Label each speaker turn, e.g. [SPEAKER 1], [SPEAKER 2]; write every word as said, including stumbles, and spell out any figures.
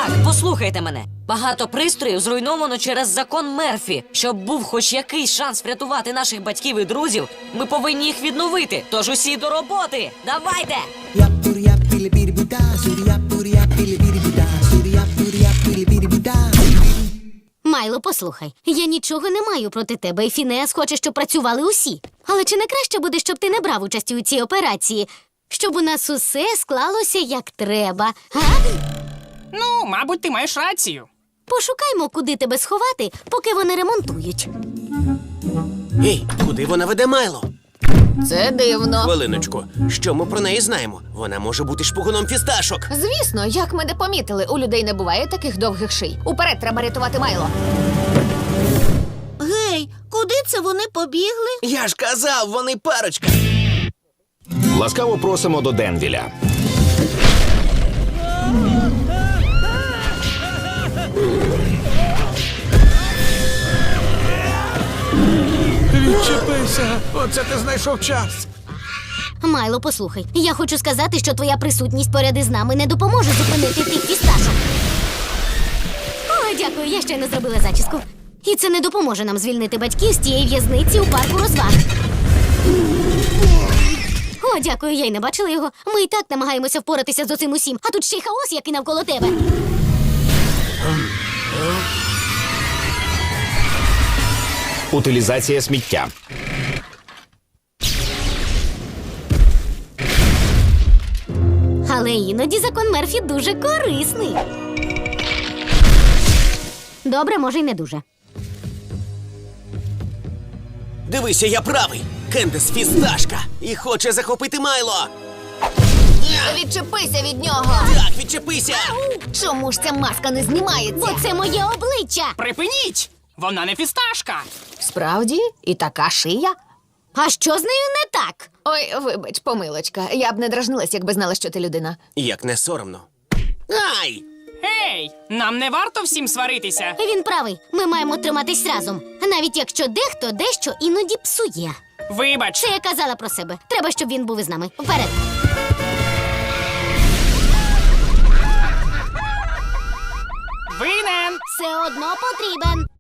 [SPEAKER 1] Так, послухайте мене. Багато пристроїв зруйновано через закон Мерфі. Щоб був хоч якийсь шанс врятувати наших батьків і друзів, ми повинні їх відновити. Тож усі до роботи. Давайте!
[SPEAKER 2] Майло, послухай, я нічого не маю проти тебе, і Фінеас хоче, щоб працювали усі. Але чи не краще буде, щоб ти не брав участі у цій операції? Щоб у нас усе склалося як треба, га?
[SPEAKER 3] Ну, мабуть, ти маєш рацію.
[SPEAKER 2] Пошукаймо, куди тебе сховати, поки вони ремонтують.
[SPEAKER 4] Ей, куди вона веде Майло?
[SPEAKER 5] Це дивно.
[SPEAKER 4] Хвилиночку, що ми про неї знаємо? Вона може бути шпигуном фісташок.
[SPEAKER 5] Звісно, як ми не помітили, у людей не буває таких довгих ший. Уперед треба рятувати Майло.
[SPEAKER 6] Гей, куди це вони побігли?
[SPEAKER 4] Я ж казав, вони парочка.
[SPEAKER 7] Ласкаво просимо до Денвіля.
[SPEAKER 8] Відчепися! Оце ти знайшов час!
[SPEAKER 2] Майло, послухай, я хочу сказати, що твоя присутність поряд із нами не допоможе зупинити тих фісташок. О, дякую, я щойно зробила зачіску. І це не допоможе нам звільнити батьків з тієї в'язниці у парку розваг. О, дякую, я й не бачила його. Ми і так намагаємося впоратися з оцим усім, а тут ще й хаос, який навколо тебе.
[SPEAKER 7] Утилізація сміття.
[SPEAKER 2] Але іноді закон Мерфі дуже корисний. Добре, може й не дуже.
[SPEAKER 4] Дивися, я правий. Кендес фісташка і хоче захопити Майло.
[SPEAKER 5] Відчепися від нього!
[SPEAKER 4] Так, відчепися!
[SPEAKER 5] Чому ж ця маска не знімається?
[SPEAKER 2] Бо це моє обличчя!
[SPEAKER 3] Припиніть! Вона не фісташка.
[SPEAKER 5] Справді? І така шия?
[SPEAKER 2] А що з нею не так?
[SPEAKER 5] Ой, вибач, помилочка. Я б не дражнилась, якби знала, що ти людина.
[SPEAKER 4] Як не соромно. Ай!
[SPEAKER 3] Гей, нам не варто всім сваритися.
[SPEAKER 2] Він правий, ми маємо триматись разом. Навіть якщо дехто дещо іноді псує.
[SPEAKER 3] Вибач.
[SPEAKER 2] Це я казала про себе. Треба, щоб він був із нами. Вперед!
[SPEAKER 3] Винен.
[SPEAKER 2] Все одно потрібен.